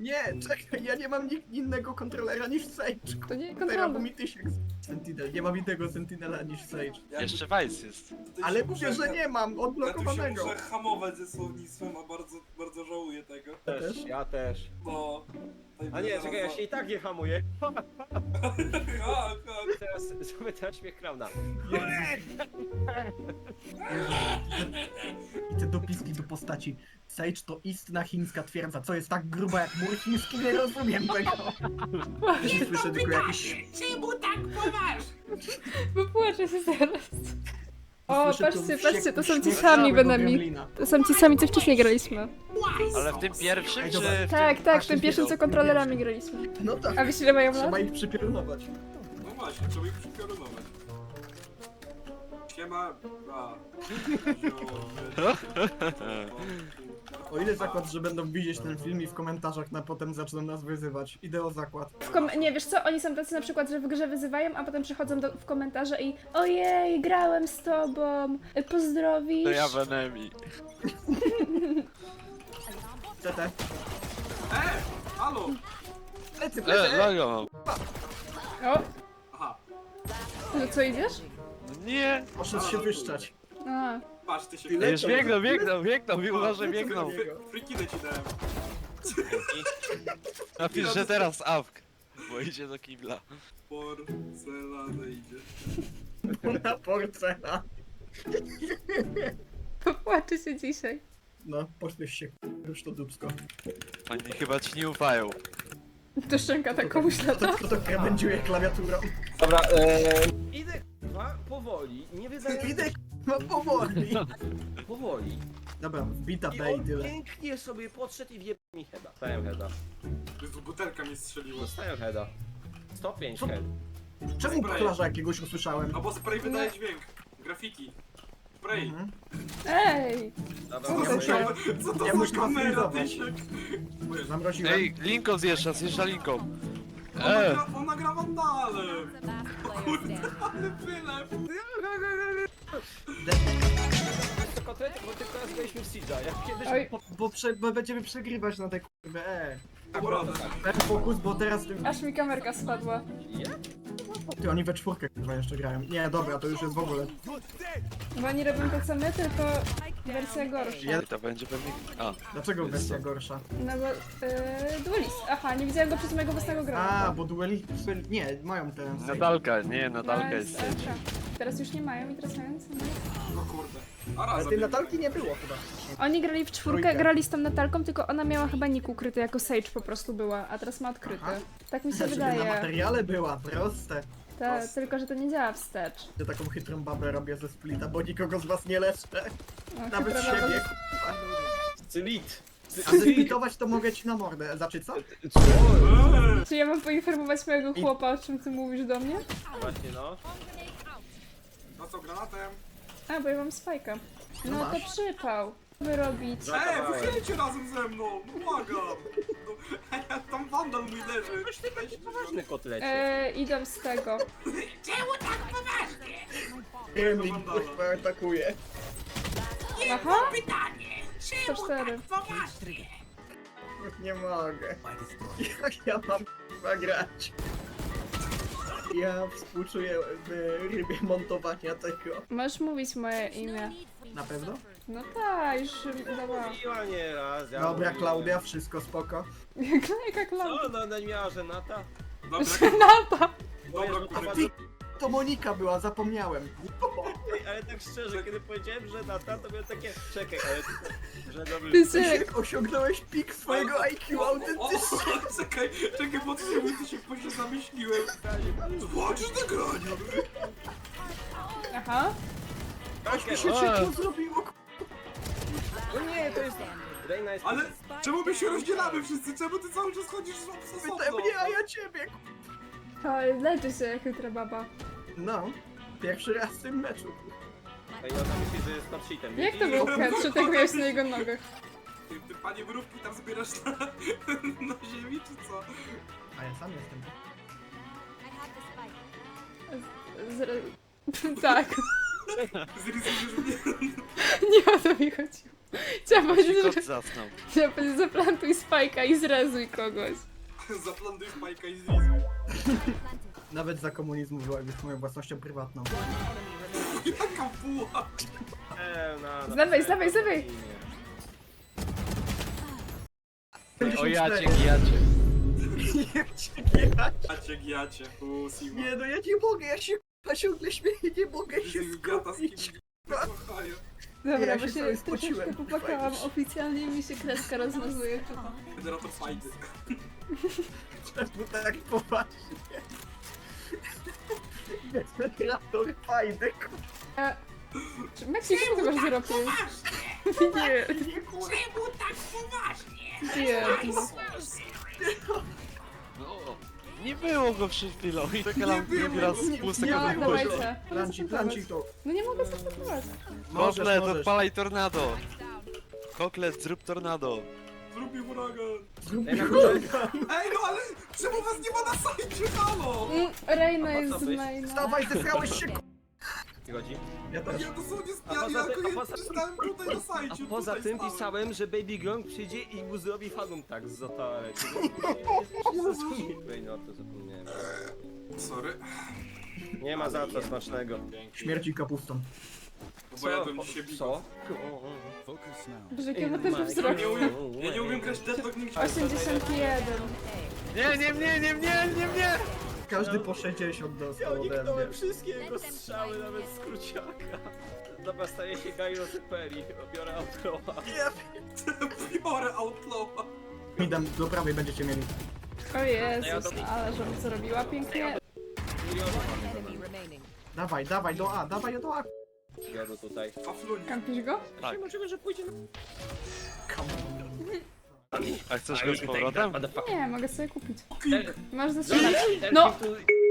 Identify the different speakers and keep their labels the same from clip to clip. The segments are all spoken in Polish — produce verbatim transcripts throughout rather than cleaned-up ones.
Speaker 1: Nie, czekaj, ja nie mam nikt innego kontrolera niż Sage.
Speaker 2: To nie
Speaker 1: Teraz
Speaker 2: kontrola.
Speaker 1: mi tysiek Sentinel, nie mam innego Sentinela niż Sage.
Speaker 3: Jakby
Speaker 4: Jeszcze Vice jest.
Speaker 3: tutaj
Speaker 1: Ale
Speaker 3: się
Speaker 1: mówię,
Speaker 3: muszę-
Speaker 1: że nie mam
Speaker 3: Ja tu się
Speaker 1: odblokowanego.
Speaker 3: muszę hamować ze słownictwem, a bardzo, bardzo żałuję tego.
Speaker 1: Też?
Speaker 5: Też, ja też.
Speaker 3: No. tutaj
Speaker 5: A nie,
Speaker 3: zaraz
Speaker 5: czekaj, ja
Speaker 3: za-
Speaker 5: się i tak nie hamuję.
Speaker 3: Ha, ha.
Speaker 5: Teraz zrobię teraz śmiech klauna.
Speaker 1: I te dopiski do postaci. Sage to istna chińska twierdza, co jest tak gruba jak mur chiński, nie rozumiem tego. Nie słyszę tylko jakieś...
Speaker 2: Wypłaczę się zaraz. O,
Speaker 1: słyszę
Speaker 2: patrzcie,
Speaker 1: tu
Speaker 2: patrzcie, to są ci
Speaker 1: śmiech
Speaker 2: sami
Speaker 1: całego
Speaker 2: Benami.
Speaker 1: gremlina.
Speaker 2: To są ci sami, co wcześniej graliśmy.
Speaker 4: Ale w tym pierwszym,
Speaker 1: Ej,
Speaker 4: czy
Speaker 1: dobra.
Speaker 4: w
Speaker 2: Tak,
Speaker 4: tym...
Speaker 2: tak, w
Speaker 1: Aż
Speaker 2: tym
Speaker 1: się
Speaker 2: pierwszym,
Speaker 1: zbierał,
Speaker 2: co
Speaker 1: w tym
Speaker 2: kontrolerami
Speaker 1: pierwszym.
Speaker 2: graliśmy.
Speaker 1: No tak,
Speaker 2: A wiesz ile mają lat?
Speaker 1: trzeba ich przypilnować.
Speaker 3: No właśnie, trzeba ich przypiorunować. Siema, a.
Speaker 1: O ile zakład, że będą widzieć ten film i w komentarzach na potem zaczną nas wyzywać. Idę o zakład.
Speaker 2: W kom- nie, wiesz co, oni są tacy na przykład, że w grze wyzywają, a potem przychodzą do, w komentarze i ojej, grałem z tobą, pozdrowisz.
Speaker 4: To ja Benemi.
Speaker 1: C T.
Speaker 3: E! Halo!
Speaker 1: Plecy,
Speaker 4: E,
Speaker 1: plecy!
Speaker 4: logo mam.
Speaker 2: O,
Speaker 3: Aha,
Speaker 2: to co, idziesz?
Speaker 4: Nie!
Speaker 1: Poszedł się wyszczać.
Speaker 2: A,
Speaker 3: patrz, ty się...
Speaker 1: Ty
Speaker 4: Ej, już biegną, biegną, biegną, mimo że
Speaker 1: Lecą
Speaker 4: biegną.
Speaker 1: do niego.
Speaker 3: Frikinę ci dałem.
Speaker 4: Napisz, że teraz awk. Bo idzie do kibla.
Speaker 3: Porcelana idzie.
Speaker 1: Na porcela.
Speaker 2: popłaczę się dzisiaj.
Speaker 1: No, pośmiesz się, już to dupsko.
Speaker 4: Oni chyba ci nie ufają.
Speaker 2: To szczęka tak komuś lata.
Speaker 1: To, to krawędziuje klawiaturą.
Speaker 5: Dobra, eee... Idę k***a, powoli, nie wydając...
Speaker 1: Idę k***a powoli.
Speaker 5: Powoli.
Speaker 1: Dobra, wbita
Speaker 5: I
Speaker 1: B i
Speaker 5: on
Speaker 1: tyle.
Speaker 5: pięknie sobie podszedł i wjebał mi heada. Dostałem heada.
Speaker 3: Jezu, butelka mnie strzeliła.
Speaker 5: Dostałem heada. sto pięć
Speaker 1: Co?
Speaker 5: head.
Speaker 1: Czemu
Speaker 3: Spray.
Speaker 1: pchlarza jakiegoś usłyszałem?
Speaker 3: No bo spray wydaje dźwięk. Graffiti. Spray.
Speaker 1: Mhm.
Speaker 2: Ej!
Speaker 5: Dobra,
Speaker 2: Co
Speaker 3: Co
Speaker 2: to
Speaker 3: to,
Speaker 1: muszę-
Speaker 3: za- co to
Speaker 1: ja
Speaker 3: za
Speaker 1: muszę
Speaker 3: kamera,
Speaker 1: was
Speaker 3: Tysiek?
Speaker 1: Zamroziłem.
Speaker 4: Ej, Linko zjeżdża, zjeżdża Linką.
Speaker 3: Ona,
Speaker 4: E,
Speaker 3: gra, ona gra wandalem. Kurde, ale wylew.
Speaker 5: to kotletek, bo tylko raz graliśmy w Siege'a. Jak kiedyś...
Speaker 2: Oj.
Speaker 1: Bo, bo, prze, bo będziemy przegrywać na te kurwę, e.
Speaker 3: Dobra,
Speaker 1: Ten fokus, bo teraz
Speaker 2: Aż mi kamerka spadła.
Speaker 1: ty, oni we czwórkę kurwa jeszcze grają. Nie, dobra, to już jest w ogóle.
Speaker 2: Bo oni robią to co my, tylko wersja gorsza.
Speaker 1: Ja-
Speaker 4: to będzie pewnie... A,
Speaker 1: Dlaczego wersja gorsza?
Speaker 2: No bo yy, duelist. Aha, nie widziałem go przez mojego własnego grania.
Speaker 1: A, bo dueli... Nie, mają te...
Speaker 4: Nadalka, nie, Nadalka
Speaker 2: No,
Speaker 4: jest
Speaker 2: tak,
Speaker 4: sieć.
Speaker 2: tak. Teraz już nie mają i teraz mają co mają.
Speaker 3: no kurde. A
Speaker 1: Ale
Speaker 3: razem.
Speaker 1: tej Natalki nie było chyba.
Speaker 2: Oni grali w czwórkę,
Speaker 1: Trójkę.
Speaker 2: grali z tą Natalką, tylko ona miała chyba nick ukryty, jako Sage po prostu była, a teraz ma odkryty.
Speaker 1: Aha.
Speaker 2: Tak mi się
Speaker 1: Żeby na
Speaker 2: wydaje.
Speaker 1: materiale była, proste.
Speaker 2: Ta, tylko, że to nie działa wstecz.
Speaker 1: Ja taką chytrą babę robię ze splita, bo nikogo z was nie leczę.
Speaker 2: O,
Speaker 1: Nawet
Speaker 2: chyba
Speaker 1: siebie.
Speaker 2: nawet-
Speaker 5: Cylit.
Speaker 1: A zesplitować to mogę ci na mordę. Znaczy co?
Speaker 5: Co?
Speaker 3: Eee,
Speaker 2: Czy ja mam poinformować mojego
Speaker 1: I-
Speaker 2: chłopa, o czym ty mówisz do mnie?
Speaker 5: Właśnie no.
Speaker 3: no co, granatem?
Speaker 2: A, bo ja mam spajka.
Speaker 1: No
Speaker 2: No to
Speaker 1: masz.
Speaker 2: przypał. Wyrobić.
Speaker 3: Eee, wychylcie razem ze mną, no błagam. No, tam wandal mój leży.
Speaker 5: Poważny kotlecie.
Speaker 2: Eee, idą z tego.
Speaker 1: Gremlin kurwa atakuje.
Speaker 2: Aha! sto cztery.
Speaker 1: Nie mogę. Jak ja mam kurwa grać? Ja współczuję w rybie montowania tego.
Speaker 2: Możesz mówić moje imię.
Speaker 1: Na pewno?
Speaker 2: No tak, już dała.
Speaker 5: Mówiła nie raz, ja
Speaker 1: Dobra,
Speaker 5: mówiłem.
Speaker 1: Klaudia, wszystko spoko.
Speaker 2: Jaka klapa.
Speaker 5: Co, no, no nie miała żenata?
Speaker 3: Dobra,
Speaker 2: Renata!
Speaker 3: dobra,
Speaker 1: A
Speaker 3: kurwa.
Speaker 1: ty, to Monika była, zapomniałem.
Speaker 5: Ej, ale tak szczerze, kiedy powiedziałem żenata, to miałem takie... Czekaj, ale... Że dobry...
Speaker 2: Tysiek!
Speaker 1: Osiągnąłeś pik swojego I Q autentycznie.
Speaker 3: O, czekaj, czekaj, bo ty się po się zamyśliłem. Zobaczysz nagranie.
Speaker 2: Aha.
Speaker 1: Aż mi się
Speaker 4: A.
Speaker 1: ciepło zrobiło.
Speaker 5: No nie, to jest... Reina jest...
Speaker 3: Ale czemu my się rozdzielamy wszyscy? Czemu ty cały czas chodzisz z osobno?
Speaker 1: Pytaj mnie, a ja ciebie.
Speaker 2: O, leczy się jak chytra baba.
Speaker 1: No, pierwszy raz w tym meczu.
Speaker 5: Ej, ona myśli, że jest top shitem.
Speaker 2: Jak to był headshot, jak byłeś na jego nogach?
Speaker 3: Ty, ty panie mrówki tam zbierasz na, na ziemi, czy co?
Speaker 1: A ja sam jestem.
Speaker 2: Z, z, tak.
Speaker 3: Zrysujesz mnie.
Speaker 2: Nie o to mi chodziło. Chciałam
Speaker 4: Ci
Speaker 2: powiedzieć,
Speaker 4: kot
Speaker 2: że...
Speaker 4: zasnął.
Speaker 2: Chciałam powiedzieć, zaplantuj spajka i zrezuj kogoś.
Speaker 3: Zaplanduj Spike'a i zlizuj.
Speaker 1: Nawet za komunizmu była już moją własnością prywatną.
Speaker 3: Jaka buła!
Speaker 5: Eee, na, na,
Speaker 2: Zdawaj, zdawaj, zdawaj.
Speaker 4: O jacie, gijacie.
Speaker 3: Giacie, giacie. U, Sima.
Speaker 1: Nie no, ja nie mogę, ja się k***a ciągle śmieję, nie mogę się
Speaker 3: Gata z kim
Speaker 1: skupić.
Speaker 3: kochają.
Speaker 2: Dobra,
Speaker 1: Ja
Speaker 2: bo
Speaker 1: się
Speaker 2: się
Speaker 1: cały
Speaker 2: troszeczkę
Speaker 1: spociłem.
Speaker 2: popłakałam. Oficjalnie mi się kreska rozmazuje.
Speaker 3: Generator fajny.
Speaker 1: Czemu tak poważnie? Generator fajny,
Speaker 2: A... Czy Meksik, czemu ty masz zero pięć? Nie,
Speaker 3: Czemu tak poważnie?
Speaker 2: nie.
Speaker 4: No, nie było go przed chwilą i czekam drugi raz z pustego
Speaker 2: No,
Speaker 4: wypuszczę.
Speaker 2: dawajcie.
Speaker 1: Planci, planci to.
Speaker 2: No nie mogę startować.
Speaker 1: Możesz,
Speaker 4: Koklet,
Speaker 1: możesz.
Speaker 4: odpalaj tornado. Koklet, zrób tornado.
Speaker 3: Zrób mi huragan.
Speaker 1: Zrób
Speaker 5: Ej, na
Speaker 1: mi
Speaker 5: górze.
Speaker 3: Ej, no ale czemu was nie ma na sajcie, halo?
Speaker 2: Mm, Reina
Speaker 5: A po
Speaker 2: jest
Speaker 5: co
Speaker 2: z
Speaker 5: byś?
Speaker 2: maina.
Speaker 1: Wstawaj, zesrałeś się, k***a.
Speaker 5: Chodzi?
Speaker 1: Ja też.
Speaker 3: Ja dosłownie
Speaker 5: A
Speaker 3: ja,
Speaker 5: poza
Speaker 3: ja
Speaker 5: tym-
Speaker 3: jako
Speaker 5: a
Speaker 3: jeden
Speaker 5: poza-
Speaker 3: stałem tutaj na
Speaker 5: A
Speaker 3: sajcie.
Speaker 5: poza
Speaker 3: tutaj
Speaker 5: tym
Speaker 3: stałem.
Speaker 5: pisałem, że Baby Gronk przyjdzie i mu zrobi fanum tak z toalety. Ej, no to zapomniałem.
Speaker 3: Sorry.
Speaker 5: Nie ma za co smacznego.
Speaker 1: Śmierci kapustą.
Speaker 3: No bo jadłem dzisiaj bigos.
Speaker 5: Co?
Speaker 2: Boże, jakie ma też
Speaker 3: Ja
Speaker 2: wzrok.
Speaker 3: nie umiem, ja nie umiem grać Deadlock nigdzie.
Speaker 2: osiemdziesiąt jeden.
Speaker 4: Nie, nie, nie, nie, nie, nie, nie.
Speaker 1: Każdy po sześćdziesiąt dostał ode
Speaker 5: Uniknąłem
Speaker 1: mnie.
Speaker 5: wszystkie jego strzały, nawet z kruciaka. Dobra, staję się Gairo Seperi, biorę Outrowa.
Speaker 3: Biorę Outlawa.
Speaker 1: Mi dam, do prawej będziecie mieli.
Speaker 2: O Jezus, ale żebym zrobiła pięknie.
Speaker 1: Dawaj, dawaj, do A, dawaj do A.
Speaker 5: Jadę tutaj.
Speaker 3: Faflunie.
Speaker 2: Kampisz go?
Speaker 4: Tak.
Speaker 5: Możliwe, że pójdzie na...
Speaker 4: A chcesz go z powrotem?
Speaker 2: Nie, mogę sobie kupić.
Speaker 3: Klik.
Speaker 2: Masz zastrzelać? No.
Speaker 5: No!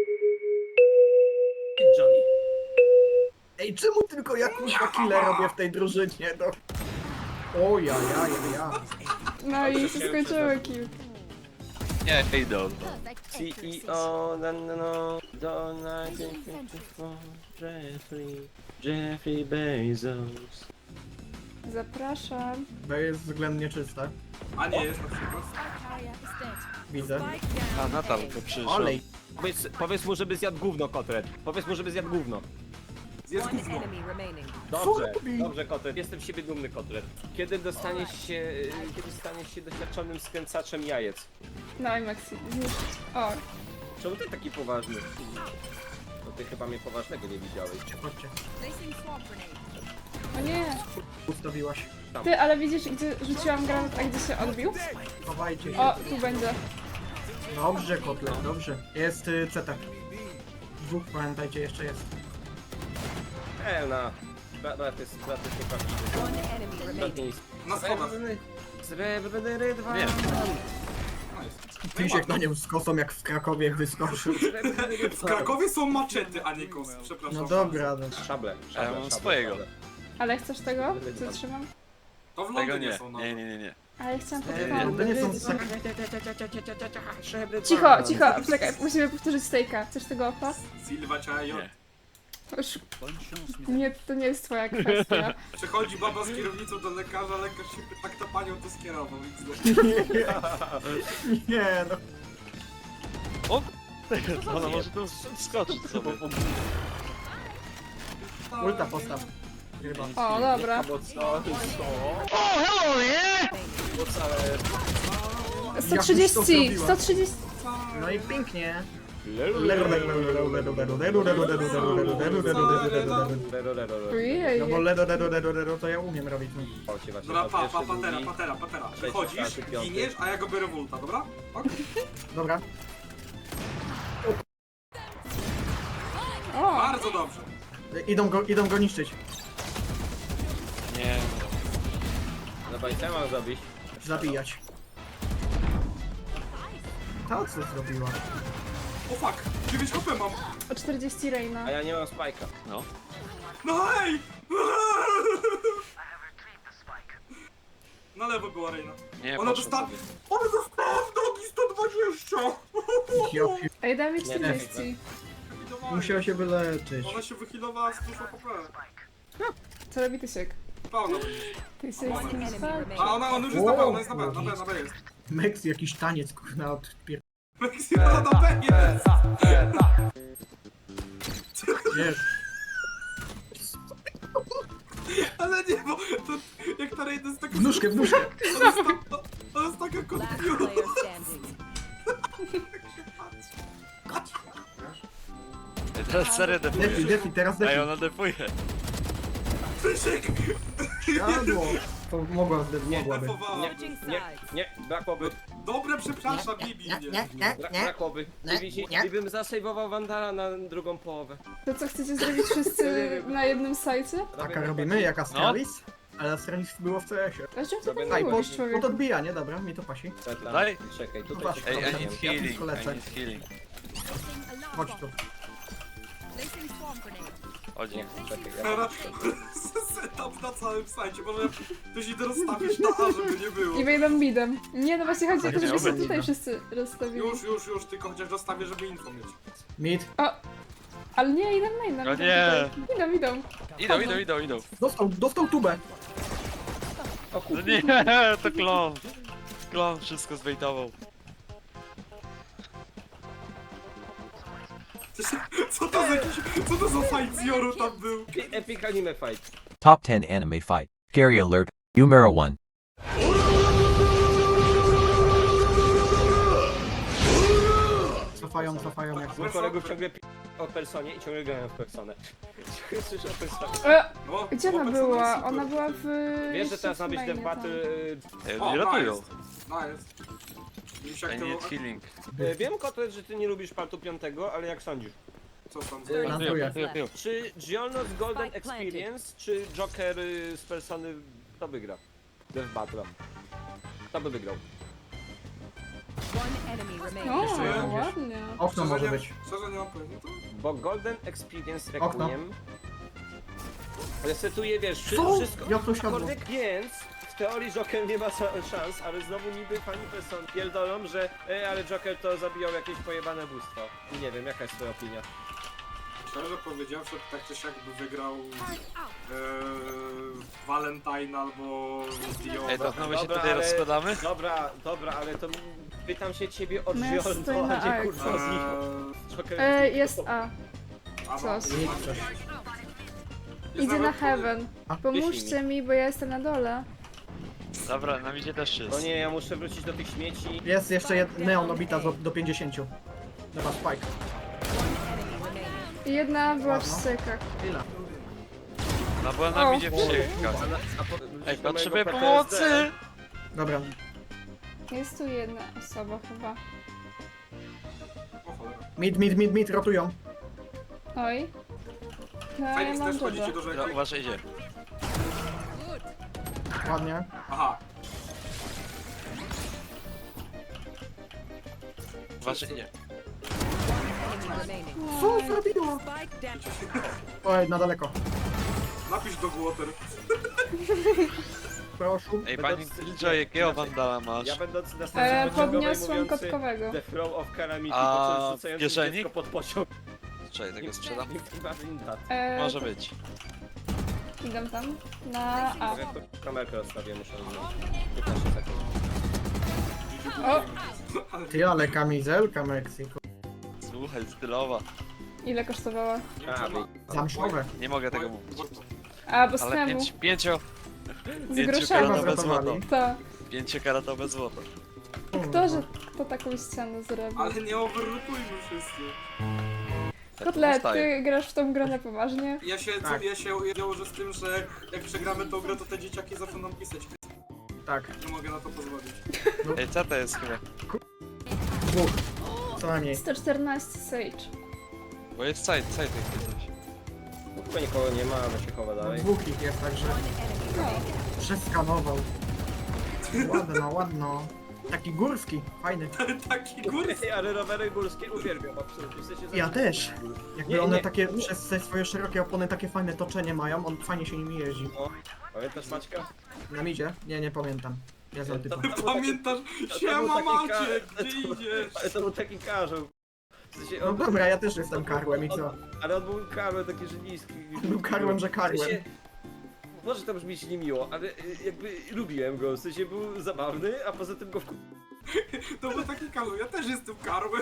Speaker 5: Johnny.
Speaker 1: Ej, czemu tylko ja kurwa killę robię w tej drużynie, no? O ja, ja, ja, ja.
Speaker 2: No i się skończyły kill.
Speaker 4: Nie, ej, do.
Speaker 5: C E O, no, no, no, do nineteen fifty-four, Jeffrey, Jeffrey Bezos.
Speaker 2: Zapraszam.
Speaker 1: To jest względnie czyste.
Speaker 3: A nie jest na przykład.
Speaker 1: Widzę.
Speaker 4: A Natalka przyszła.
Speaker 1: Olej.
Speaker 5: Powiedz, powiedz mu, żeby zjadł gówno, Kotret. Powiedz mu, żeby zjadł gówno.
Speaker 3: Zjedz gówno.
Speaker 5: Dobrze,
Speaker 1: robi?
Speaker 5: dobrze, Kotret. Jestem z siebie dumny, Kotret. Kiedy dostaniesz się, y, kiedy staniesz się doświadczonym skręcaczem jajec?
Speaker 2: No i Maxi, zniszczyć. O,
Speaker 5: Czemu ty taki poważny? To ty chyba mnie poważnego nie widziałeś.
Speaker 1: Chodźcie.
Speaker 2: o nie.
Speaker 1: Ustawiłaś.
Speaker 2: Ty, ale widzisz, gdzie rzuciłam granat, a gdzie się odbił?
Speaker 1: Chowajcie się.
Speaker 2: O, tu będzie.
Speaker 1: Dobrze, kotlet, dobrze. Jest y, C T. Dwóch, pamiętajcie, jeszcze jest.
Speaker 5: Elna. Brat jest, brat jest nieprawdziwy. Brat nie jest.
Speaker 3: Na schodach.
Speaker 5: Srebrny dwa.
Speaker 4: Nie.
Speaker 1: Tysiek na nią z kosą jak w Krakowie wyskoczył.
Speaker 3: W Krakowie są maczety, a nie kosy. Przepraszam.
Speaker 1: No dobra, no.
Speaker 5: Szable,
Speaker 4: A ja
Speaker 5: szable,
Speaker 4: mam
Speaker 5: szable,
Speaker 4: swojego.
Speaker 5: szable.
Speaker 2: Ale chcesz tego? Co trzymam?
Speaker 3: To w
Speaker 4: Tego
Speaker 3: Londynie
Speaker 4: nie.
Speaker 3: są na
Speaker 4: Nie, nie, nie, nie.
Speaker 2: Ale ja chciałam
Speaker 1: To
Speaker 2: podpalić.
Speaker 1: nie są tak...
Speaker 2: Cicho, cicho, czekaj, musimy powtórzyć stejka. Chcesz tego opa?
Speaker 3: Silva Chayo.
Speaker 4: Nie.
Speaker 2: Już... Nie, to nie jest twoja kwestia.
Speaker 3: Przychodzi baba z kierownicą do lekarza, lekarz się pyta, kto panią to skierował.
Speaker 1: Nie, no.
Speaker 4: O! Ona może tu skoczyć sobie.
Speaker 1: Ulta postaw. Chyba.
Speaker 2: O, dobra.
Speaker 5: Bo co?
Speaker 4: O, hello, nie!
Speaker 2: sto
Speaker 1: to
Speaker 2: trzydzieści,
Speaker 1: zrobiła?
Speaker 2: sto trzydzieści.
Speaker 1: No i pięknie.
Speaker 2: Ojej.
Speaker 1: No bo ledo, ledo, ledo, ledo, to ja umiem robić. No.
Speaker 3: Dobra, pa, pa, patera, patera, patera. Wychodzisz,
Speaker 5: czwarty, piąty.
Speaker 3: giniesz, a ja go biorę w ulta, dobra? Ok?
Speaker 1: Dobra.
Speaker 2: O,
Speaker 3: Bardzo dobrze.
Speaker 1: Idą go, idą go niszczyć.
Speaker 4: Nie.
Speaker 5: Dobra, i co ja mam zrobić?
Speaker 1: Zabijać. Ta co zrobiła?
Speaker 3: O fuck, dziewięć H P mam.
Speaker 2: o czterdzieści Reina.
Speaker 5: A ja nie mam spajka.
Speaker 4: No.
Speaker 3: No hej! Na lewo była Reina.
Speaker 4: Nie,
Speaker 3: Ona
Speaker 4: poszło
Speaker 3: dostała...
Speaker 4: sobie.
Speaker 3: Ona dostała w nogi sto dwadzieścia!
Speaker 1: Ja pi-
Speaker 2: Ej, daj mi czterdzieści.
Speaker 1: Musiała się wyleczyć.
Speaker 3: Ona się wychylowała z dużo H P.
Speaker 2: Co robi Tysiek?
Speaker 3: Pełno.
Speaker 2: Ty sobie z kim spać?
Speaker 3: A ona, ona już jest na B, ona jest na B, na B, na B jest.
Speaker 1: Mex jakiś taniec, kurna, od pier...
Speaker 3: Ona na B jest.
Speaker 1: Wiesz,
Speaker 3: Ale nie, bo to, jak ta Raid jest taka...
Speaker 1: w nóżkę, w nóżkę.
Speaker 3: Ona jest, ta, ona jest taka
Speaker 6: Last
Speaker 3: konfiuza.
Speaker 6: player standing.
Speaker 4: Teraz serio
Speaker 1: Defi,
Speaker 4: defuje.
Speaker 1: defi, teraz defi.
Speaker 4: Ej, ona defuje.
Speaker 3: Krzysiek!
Speaker 1: Jadło. To mogła, zde- mogłaby.
Speaker 3: Defowała.
Speaker 6: Switching
Speaker 5: Nie,
Speaker 6: sides.
Speaker 5: nie, brakłoby,
Speaker 3: Dobre, przepraszam, Bibi mnie.
Speaker 5: bra brakłoby. I, widzisz, i bym zasejwował Wandala na drugą połowę.
Speaker 2: To co, chcecie zrobić wszyscy na jednym sajcie?
Speaker 1: Taka robimy, jak Astralis? Ale Astralis było w C S-ie.
Speaker 2: A czym to
Speaker 5: Sobie
Speaker 2: nie
Speaker 1: Aj,
Speaker 2: było,
Speaker 1: pod,
Speaker 2: człowiek?
Speaker 1: pod odbijanie, dobra, mi to pasi.
Speaker 5: Czekaj,
Speaker 4: Daj.
Speaker 5: czekaj, tutaj
Speaker 1: Zobacz,
Speaker 5: czekaj.
Speaker 4: Ej, I
Speaker 1: Dobra,
Speaker 4: need
Speaker 1: ja
Speaker 4: healing,
Speaker 1: tylko lecę.
Speaker 4: I need healing.
Speaker 1: Chodź tu.
Speaker 4: Chodź.
Speaker 5: Nie, czekaj, ja
Speaker 3: Teraz setup na całym sajcie, może ktoś idę rozstawić na A, żeby nie było.
Speaker 2: I wejdą midem. Nie, no właśnie chodzi o to,
Speaker 1: Nie
Speaker 2: żeby się
Speaker 1: będzie.
Speaker 2: tutaj wszyscy rozstawili.
Speaker 3: Już, już, już, tylko chociaż dostawię, żeby info mieć.
Speaker 1: Mid.
Speaker 2: O! Ale nie, idą na inną.
Speaker 4: No nie.
Speaker 2: Idą, idą.
Speaker 4: Idą, idą, idą, idą.
Speaker 1: Dostał, dostał tubę.
Speaker 5: O
Speaker 4: No
Speaker 5: kurde,
Speaker 4: nie, to klon. Klon wszystko zbejtował.
Speaker 3: Co to za jakiś, co to za fight z Joru tam był?
Speaker 5: Epic Anime Fight.
Speaker 7: Top ten anime fight. Scary alert. Numero one.
Speaker 1: Cofają, cofają jak
Speaker 5: Mój kolegów ciągle pi... o personie i ciągle grają w personę. Słyszę o personie.
Speaker 2: E,
Speaker 3: O,
Speaker 2: gdzie ona
Speaker 3: chłopak
Speaker 2: była?
Speaker 3: super.
Speaker 2: Ona była w...
Speaker 5: Wiesz, że teraz ma być
Speaker 2: mainie
Speaker 5: ten
Speaker 2: tam.
Speaker 5: battle...
Speaker 4: Ej,
Speaker 3: O,
Speaker 4: oni ratują.
Speaker 3: nice. Nice. Już jak
Speaker 4: I
Speaker 3: to...
Speaker 4: need healing.
Speaker 5: y, Wiem, Kotlet, że ty nie lubisz partu piątego, ale jak sądzisz?
Speaker 3: Co tam?
Speaker 5: Y,
Speaker 1: Plantuję.
Speaker 4: Piją, piją, piją.
Speaker 5: Czy Giolno z Golden
Speaker 6: Spike planted.
Speaker 5: Experience, czy Joker y, z persony, kto wygra? Death Battle. Kto by wygrał?
Speaker 6: One enemy remaining.
Speaker 2: O,
Speaker 3: Jeszcze jeden.
Speaker 2: ładnie.
Speaker 1: Okno
Speaker 3: Szczerze
Speaker 1: może
Speaker 3: nie-
Speaker 1: być.
Speaker 3: Szczerze nie mam pojęcia, to...
Speaker 5: Bo Golden Experience
Speaker 1: Okno.
Speaker 5: Requiem resetuje, wiesz, wszy-
Speaker 1: Co?
Speaker 5: wszystko.
Speaker 1: Jak to siadło?
Speaker 5: Aczkolwiek, więc w teorii Joker nie ma sa- szans, ale znowu niby fani person pierdolą, że e, ale Joker to zabijał jakieś pojebane bóstwo. I nie wiem, jaka jest twoja opinia?
Speaker 3: Szczerze powiedziawszy, tak czy siak by wygrał ee, Valentine albo Dio.
Speaker 4: Ej, to znowu się
Speaker 5: Dobra,
Speaker 4: tutaj
Speaker 5: ale-
Speaker 4: rozkładamy?
Speaker 5: Dobra, dobra, ale to pytam się ciebie o
Speaker 2: No ja stoję
Speaker 5: Giolno,
Speaker 2: na
Speaker 5: a nie
Speaker 2: A.
Speaker 5: kurwa z nich.
Speaker 3: Eee,
Speaker 5: Joker
Speaker 2: E, jest A.
Speaker 3: a
Speaker 2: Coś.
Speaker 3: mam-
Speaker 1: Nic coś.
Speaker 3: jest
Speaker 2: Idzie na
Speaker 3: nawet-
Speaker 2: heaven. Pomóżcie mi, bo ja jestem na dole.
Speaker 4: Dobra, na midzie też
Speaker 5: O
Speaker 4: jest.
Speaker 5: nie, ja muszę wrócić do tych śmieci.
Speaker 1: Jest jeszcze jed... neon obita do, do pięćdziesięciu. Dobra, spike.
Speaker 6: Enemy remaining.
Speaker 2: I jedna była w
Speaker 1: Ładno.
Speaker 2: stykach.
Speaker 1: Ile?
Speaker 4: No była na
Speaker 2: O.
Speaker 4: midzie przyjechać.
Speaker 5: A, na- a po,
Speaker 4: Ej,
Speaker 5: do
Speaker 4: potrzebuję
Speaker 5: mojego P T S D.
Speaker 4: pomocy!
Speaker 1: Dobra.
Speaker 2: Jest tu jedna osoba chyba.
Speaker 3: O cholera.
Speaker 1: Mid, mid, mid, mid, rotują.
Speaker 2: Oj. No, ja
Speaker 3: Fajnie
Speaker 2: mam
Speaker 3: też chodzicie
Speaker 2: dobra.
Speaker 3: do
Speaker 4: Dobra,
Speaker 3: rzeki.
Speaker 4: uważaj, idzie.
Speaker 1: Ładnie.
Speaker 3: Aha.
Speaker 4: Uważaj, idzie.
Speaker 6: Enemy remaining.
Speaker 1: Co zrobiło?
Speaker 6: Spike down.
Speaker 1: Oj, na daleko.
Speaker 3: Napisz do Water.
Speaker 1: Proszę.
Speaker 4: Ej, pani Killjoy, jakiego Wandala masz?
Speaker 5: Ja będąc na
Speaker 2: E,
Speaker 5: stacji pociągowej
Speaker 2: podniosłem
Speaker 5: mówiący
Speaker 2: kotkowego.
Speaker 5: The Throw of Calamity,
Speaker 4: A
Speaker 5: po czym
Speaker 4: w
Speaker 5: rzucający
Speaker 4: kieszeni?
Speaker 5: dziecko pod pociąg.
Speaker 4: Czekaj, tego sprzedam.
Speaker 5: Imagine that.
Speaker 2: E,
Speaker 4: Może być.
Speaker 2: Idę tam. Na A.
Speaker 5: Ja tu kamerkę rozstawię, muszę zmienić. piętnaście sekund.
Speaker 2: O!
Speaker 1: Ty, ale kamizelka Meksyku.
Speaker 4: Słuchaj, stylowa.
Speaker 2: Ile kosztowała?
Speaker 5: A, wy...
Speaker 1: Zamszowe.
Speaker 4: Nie mogę tego mówić.
Speaker 2: A, bo z
Speaker 4: Ale
Speaker 2: temu.
Speaker 4: pięć, pięcio...
Speaker 2: Z
Speaker 1: Chyba
Speaker 2: groszami.
Speaker 4: Pięciokaratowe złoto.
Speaker 1: zratowali.
Speaker 2: To.
Speaker 4: Pięciokaratowe złoto.
Speaker 2: Kto, że to taką ścianę zrobił?
Speaker 3: Ale nie overlookujmy wszyscy.
Speaker 4: Tak
Speaker 2: Kotlet,
Speaker 4: zostaje.
Speaker 2: ty grasz w tą grę na poważnie?
Speaker 3: Ja się,
Speaker 1: Tak.
Speaker 3: co, ja się założę z tym, że jak przegramy tą grę, to te dzieciaki zaczną nam pisać.
Speaker 1: Tak.
Speaker 3: Nie mogę na to pozwolić.
Speaker 4: Ej, co to jest chyba?
Speaker 1: Dwóch. Co najmniej.
Speaker 2: sto czternaście Sage.
Speaker 4: Bo jest side, side jak coś.
Speaker 5: No, chyba nikogo nie ma, ale się chowa
Speaker 1: No,
Speaker 5: dalej.
Speaker 1: dwóch ich jest, także
Speaker 2: No.
Speaker 1: przeskanował. Ładno, ładno. Taki górski, fajny.
Speaker 3: Taki góry.
Speaker 5: Ej, ale rowery górskie uwielbiam, absolutnie. W sensie
Speaker 1: Ja
Speaker 5: zawsze-
Speaker 1: też. Jakby
Speaker 5: Nie,
Speaker 1: one
Speaker 5: nie.
Speaker 1: takie, przez te swoje szerokie opony takie fajne toczenie mają, on fajnie się nimi jeździ.
Speaker 5: No. Pamiętasz Maćka?
Speaker 1: Na midzie? Nie, nie pamiętam. Ja znam typa.
Speaker 5: To-
Speaker 3: Pamiętasz?
Speaker 5: to
Speaker 3: Siema
Speaker 5: był taki
Speaker 3: Maciek,
Speaker 5: ka-
Speaker 3: gdzie
Speaker 5: to-
Speaker 3: idziesz?
Speaker 5: Ale to był taki karzeł. W sensie
Speaker 1: No
Speaker 5: on-
Speaker 1: dobra, ja też jestem karłem i co?
Speaker 5: Ale on był karłem taki, że niski.
Speaker 1: Był karłem, że
Speaker 5: W
Speaker 1: karłem.
Speaker 5: sensie, może to brzmieć niemiło, ale y, jakby lubiłem go, w sensie był zabawny, a poza tym go wku...
Speaker 3: To był taki Karol, ja też jestem Karłem.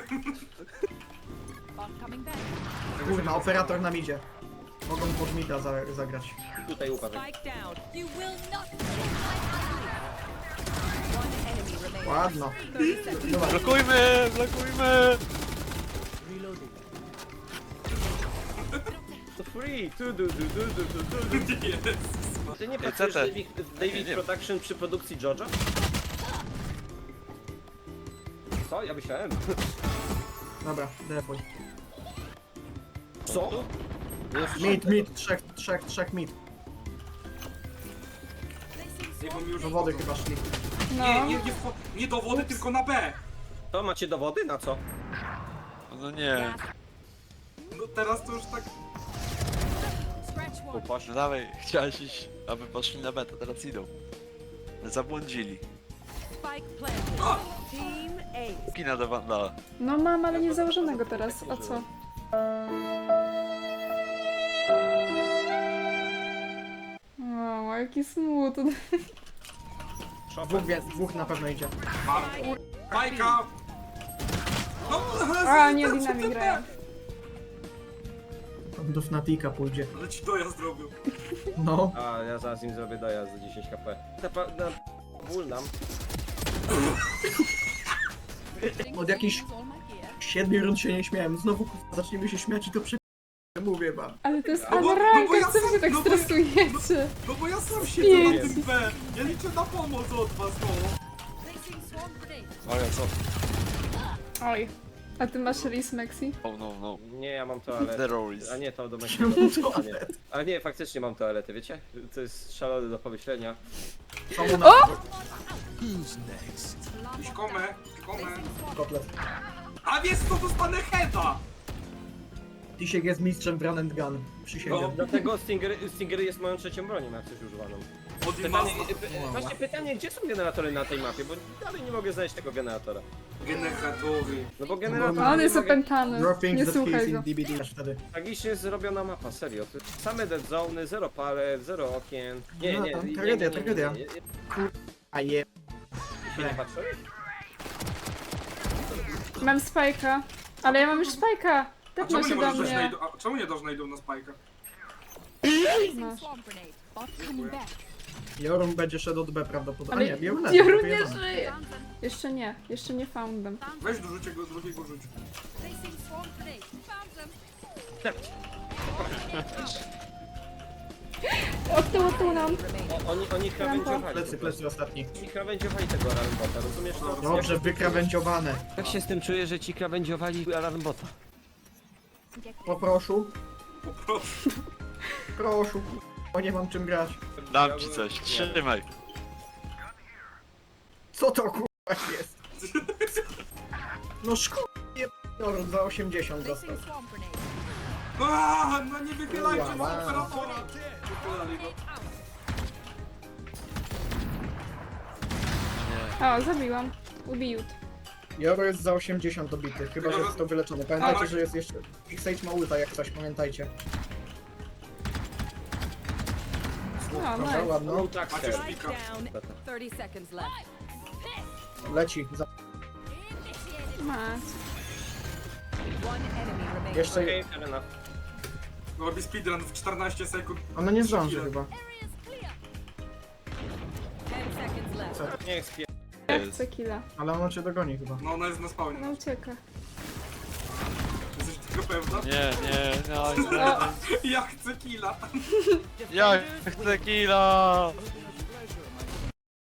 Speaker 1: Kurna, operator nam idzie. Mogą pod mida za, zagrać.
Speaker 5: Tutaj upadł.
Speaker 6: Spike down. You will not kill my One enemy remaining.
Speaker 1: Ładno.
Speaker 6: thirty seconds.
Speaker 1: Dobra,
Speaker 4: Blokujmy, blokujmy!
Speaker 5: To free! Tu, du, du, du, du, du, du, du.
Speaker 3: Jezus.
Speaker 5: Ty nie
Speaker 4: Ej,
Speaker 5: pracujesz
Speaker 4: Tete.
Speaker 5: w David, w David
Speaker 4: Nie.
Speaker 5: Production przy produkcji Jojo? Co? Ja myślałem.
Speaker 1: dobra, defuj.
Speaker 5: Co?
Speaker 1: Mid, mid, trzech, trzech, trzech mid.
Speaker 3: Nie, bo mi już
Speaker 1: Do wody chyba szli.
Speaker 2: No.
Speaker 3: Nie, nie, nie, w- nie do wody, tylko na B.
Speaker 5: To macie dowody? Na co?
Speaker 4: No nie.
Speaker 3: No teraz to już tak...
Speaker 6: Scratch one.
Speaker 5: Upoś.
Speaker 4: No dawaj, chciałeś iść, aby poszli na betę, teraz idą. Zabłądzili.
Speaker 6: Spike planted. Team A.
Speaker 4: Kina do Wandala.
Speaker 2: No mam, ale nie założonego teraz. A co? O, jaki smutny.
Speaker 1: Dwóch, wie- dwóch na pewno idzie.
Speaker 3: Mam. Bajka! No,
Speaker 2: A, nie Dinami grają.
Speaker 1: Do Fnatica pójdzie.
Speaker 3: Ale ci dojazd zrobił.
Speaker 1: No.
Speaker 5: A, ja zaraz im zrobię dojazd za dziesięć HP. Na, pa- na ból nam.
Speaker 1: Od jakichś siedmiu rund się nie śmiałem. Znowu kurwa, zaczniemy się śmiać i to prze... Mówię wam.
Speaker 2: Ale to jest
Speaker 3: No bo- no bo
Speaker 2: Amarajka,
Speaker 3: ja
Speaker 2: co wy się
Speaker 3: sam-
Speaker 2: tak
Speaker 3: no bo ja-
Speaker 2: stresujecie?
Speaker 3: No bo ja sam siedzę na
Speaker 2: Pięć.
Speaker 3: tym B. Ja liczę na pomoc od was, no.
Speaker 4: O ja co?
Speaker 2: Oj. A ty masz Riz Maxi?
Speaker 4: Oh no, no.
Speaker 5: Nie, ja mam toaletę.
Speaker 4: Zero risk.
Speaker 5: A nie, to do
Speaker 1: Czemu
Speaker 5: mężczyzn. A nie.
Speaker 1: toalet?
Speaker 5: Ale nie, faktycznie mam toaletę, wiecie? To jest szalone do pomyślenia.
Speaker 1: Są na
Speaker 3: Iść komę, komę.
Speaker 1: kotlet.
Speaker 3: A wiesz co, dostanę heada!
Speaker 1: Tisiek jest mistrzem w run and gun. Przysięgam.
Speaker 3: No.
Speaker 5: Dlatego Stinger, Stinger jest moją trzecią bronią, jak coś używaną.
Speaker 3: Od
Speaker 5: Pytanie,
Speaker 3: Imasa.
Speaker 5: py, właśnie pytanie, gdzie są generatory na tej mapie, bo dalej nie mogę znaleźć tego generatora.
Speaker 3: Generatory.
Speaker 5: No bo generator...
Speaker 2: A on
Speaker 5: nie
Speaker 2: jest
Speaker 5: mogę-
Speaker 2: opętany.
Speaker 1: Your things
Speaker 2: Nie
Speaker 1: that kills
Speaker 2: słuchaj
Speaker 1: in
Speaker 2: go.
Speaker 1: D B D masz wtedy.
Speaker 5: Tragicznie zrobiona mapa, serio. To same dead zone, zero palet, zero okien. Nie,
Speaker 1: No,
Speaker 5: nie,
Speaker 1: tam
Speaker 5: nie, nie,
Speaker 1: tragedia,
Speaker 5: nie, nie,
Speaker 1: tragedia.
Speaker 5: nie, nie, nie.
Speaker 1: A je...
Speaker 5: Się nie patrzyłeś?
Speaker 2: Mam spajka. Ale ja mam już spajka.
Speaker 3: A
Speaker 2: Tepnął
Speaker 3: czemu nie
Speaker 2: się do
Speaker 3: możesz dać
Speaker 2: mnie.
Speaker 3: najdu... A czemu nie dasz najdu na spajka?
Speaker 2: Masz.
Speaker 1: Jorun będzie szedł od B prawdopodobnie.
Speaker 2: Ale
Speaker 1: A nie, Jorun leży,
Speaker 2: Jorun nie
Speaker 1: wyjebane.
Speaker 2: żyje. Jeszcze nie, jeszcze nie foundem.
Speaker 3: Weź do rzucie go, drugiego rzuć.
Speaker 2: Od tyłu, od tyłu nam.
Speaker 5: O, oni, oni krawędziowali.
Speaker 1: Plecy, plecy ostatni.
Speaker 5: Oni krawędziowali tego alarmbota, rozumiesz to?
Speaker 1: Dobrze, wykrawędziowane.
Speaker 5: Jak się z tym czuję, że ci krawędziowali alarmbota?
Speaker 1: Poproszę,
Speaker 3: Poproszę.
Speaker 1: proszę. O, nie mam czym grać.
Speaker 4: Dam ci coś, trzymaj.
Speaker 1: Co to kurwa jest? No szkoda, Jorun za osiemdziesiąt dostał.
Speaker 3: Aaa, no nie wychylajcie
Speaker 1: Wow.
Speaker 3: na operatora! Wychylali go.
Speaker 2: O, zabiłam. Ubijut.
Speaker 1: Joro jest za osiemdziesiąt dobity, chyba że jest to wyleczone. Pamiętajcie,
Speaker 3: Tak.
Speaker 1: że jest jeszcze... Ich Sage ma ulta jak coś, pamiętajcie.
Speaker 2: O,
Speaker 1: Dobra,
Speaker 2: nice.
Speaker 1: ładno.
Speaker 5: No tak,
Speaker 3: Macie
Speaker 5: tak.
Speaker 3: szpika.
Speaker 6: Down. thirty seconds left.
Speaker 1: Leci. Za...
Speaker 2: Masz.
Speaker 6: One enemy remaining.
Speaker 1: Jeszcze...
Speaker 5: Okej, fair enough.
Speaker 3: No, robi speedrun w czternaście sekund.
Speaker 1: Ona nie zdąży chyba.
Speaker 6: Ten seconds left.
Speaker 5: Niech spie...
Speaker 2: Ja chcę killa.
Speaker 1: Ale ona cię dogoni chyba.
Speaker 3: No, ona jest na spawnie.
Speaker 2: Ona ucieka.
Speaker 3: Jesteś tego pewna?
Speaker 4: Nie, nie, no,
Speaker 2: O,
Speaker 3: Ja chcę killa.
Speaker 4: ja chcę killa!